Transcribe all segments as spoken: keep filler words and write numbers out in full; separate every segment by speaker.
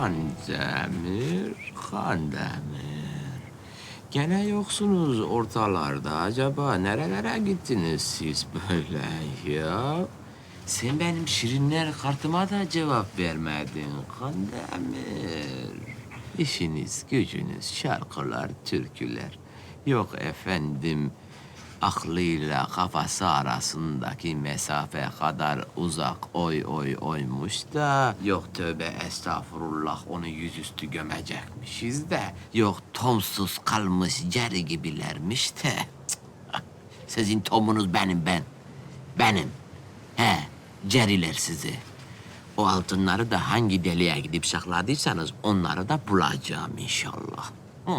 Speaker 1: Kandemir, Kandemir. Gene yoksunuz ortalarda. Acaba nerelere gittiniz siz böyle ya? Sen benim şirinler kartıma da cevap vermedin Kandemir. İşiniz, gücünüz, şarkılar, türküler. Yok efendim, aklıyla kafası arasındaki mesafe kadar uzak oy oy oymuş da... Yok tövbe estağfurullah onu yüzüstü gömecekmişiz de... Yok tomsuz kalmış ceri gibilermiş de... Cık, sizin tomunuz benim ben. Benim. He, ceriler sizi. O altınları da hangi deliğe gidip sakladıysanız onları da bulacağım inşallah. Hı.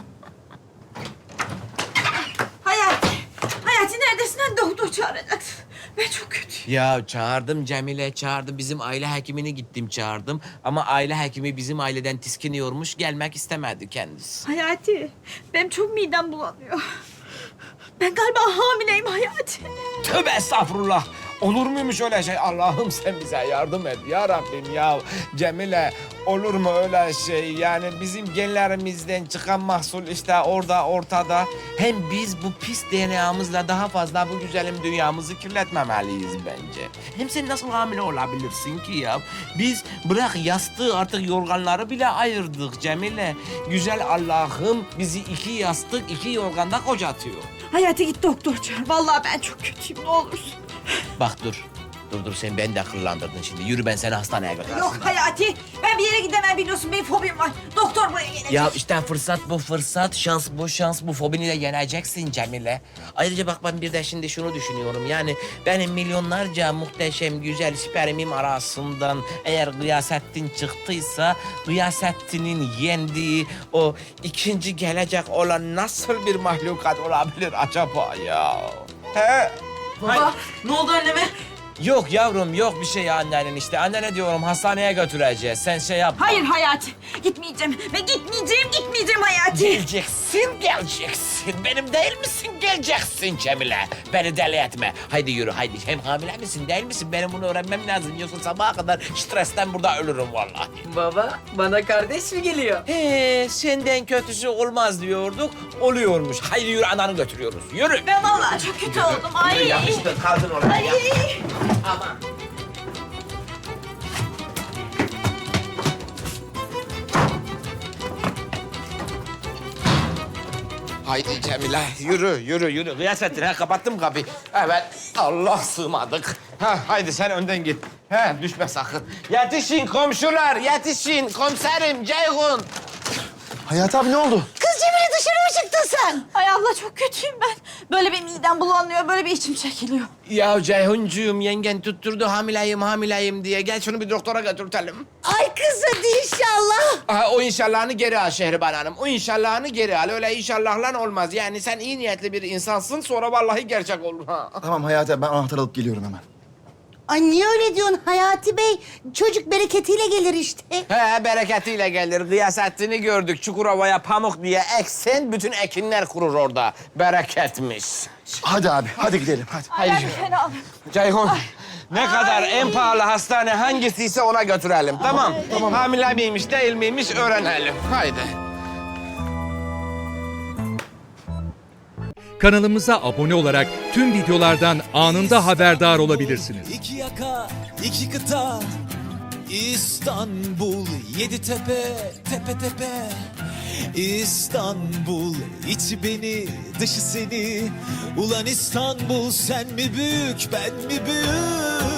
Speaker 2: Hayati, Hayati neredesin? Hani doktor çağıracaksın. Ben çok kötüyüm.
Speaker 1: Ya çağırdım Cemile çağırdı. Bizim aile hekimini gittim çağırdım. Ama aile hekimi bizim aileden tiskiniyormuş. Gelmek istemedi kendisi.
Speaker 2: Hayati, benim çok midem bulanıyor. Ben galiba hamileyim Hayati.
Speaker 1: Tövbe estağfurullah. Olur muymuş öyle şey? Allah'ım sen bize yardım et ya Rabbim ya. Cemile olur mu öyle şey? Yani bizim genlerimizden çıkan mahsul işte orada ortada. Hem biz bu pis D N A'mızla daha fazla bu güzelim dünyamızı kirletmemeliyiz bence. Hem sen nasıl hamile olabilirsin ki ya? Biz bırak yastığı artık yorganları bile ayırdık Cemile. Güzel Allah'ım bizi iki yastık iki yorganda kocatıyor.
Speaker 2: Hayati git doktor çağır. Vallahi ben çok kötüyüm ne olursun.
Speaker 1: Bak dur. Dur dur sen beni de kıllandırdın şimdi. Yürü ben seni hastaneye götürürüm.
Speaker 2: Yok Hayati, ben bir yere gidemem biliyorsun. Benim fobim var. Doktor buraya gelecek.
Speaker 1: Ya işte fırsat bu fırsat, şans bu şans, bu fobini de yeneceksin Cemile. Ayrıca bak ben bir de şimdi şunu düşünüyorum. Yani benim milyonlarca muhteşem güzel spermim arasından eğer Gıyasettin çıktıysa... ...Gıyasettin'in yendiği o ikinci gelecek olan nasıl bir mahlukat olabilir acaba ya? He?
Speaker 2: Baba, ne oldu anneme?
Speaker 1: Yok yavrum yok bir şey annenin işte. Annene diyorum hastaneye götüreceğiz. Sen şey yapma.
Speaker 2: Hayır Hayati, gitmeyeceğim. Ve gitmeyeceğim, gitmeyeceğim Hayati.
Speaker 1: Geleceksin, geleceksin. Benim değil misin? Geleceksin Cemile. Beni deli etme. Haydi yürü, haydi. Hem hamile misin, değil misin? Benim bunu öğrenmem lazım. Yoksa sabaha kadar stresten burada ölürüm vallahi.
Speaker 3: Baba, bana kardeş mi geliyor?
Speaker 1: He, senden kötüsü olmaz diyorduk. Oluyormuş. Haydi yürü, ananı götürüyoruz. Yürü.
Speaker 2: Ben vallahi çok kötü oldum. Ay.
Speaker 1: Yürü, yapıştır, kaldın oraya.
Speaker 2: Ay.
Speaker 1: Ya. Aman. Haydi Cemile, yürü, yürü, yürü. Gıyasettin, ha kapattım kapıyı. Evet, Allah sığmadık. Ha, haydi sen önden git. Ha, düşme sakın. Yetişin komşular, yetişin. Komiserim, Ceyhun.
Speaker 4: Hayati abi ne oldu?
Speaker 2: Kız Cemile dışarı mı çıktın sen? Ay Allah çok kötüyüm ben. Böyle bir midem bulanıyor, böyle bir içim çekiliyor.
Speaker 1: Ya Ceyhuncuğum, yengen tutturdu hamileyim, hamileyim diye. Gel şunu bir doktora götürtelim.
Speaker 2: Ay kız hadi inşallah.
Speaker 1: Aha, o inşallahını geri al Şehriban Hanım. O inşallahını geri al. Öyle inşallahla olmaz. Yani sen iyi niyetli bir insansın, sonra vallahi gerçek olur. Ha.
Speaker 4: Tamam Hayati abi ben anahtar alıp geliyorum hemen.
Speaker 5: Ay niye öyle diyorsun Hayati Bey? Çocuk bereketiyle gelir işte.
Speaker 1: He, bereketiyle gelir. Gıyasettin'i gördük. Çukurova'ya pamuk diye eksen, bütün ekinler kurur orada. Bereketmiş.
Speaker 4: Hadi abi hadi gidelim hadi.
Speaker 2: Ay ben bir fena oldum.
Speaker 1: Ceyhun, ne kadar en pahalı hastane hangisiyse ona götürelim, tamam? Tamam. Hamile miymiş, değil miymiş öğrenelim. Haydi.
Speaker 6: Kanalımıza abone olarak tüm videolardan anında haberdar olabilirsiniz.
Speaker 7: İki yaka, iki kıta, İstanbul, yedi tepe, tepe tepe. İstanbul, içi beni, dışı seni. Ulan İstanbul, sen mi büyük, ben mi büyük?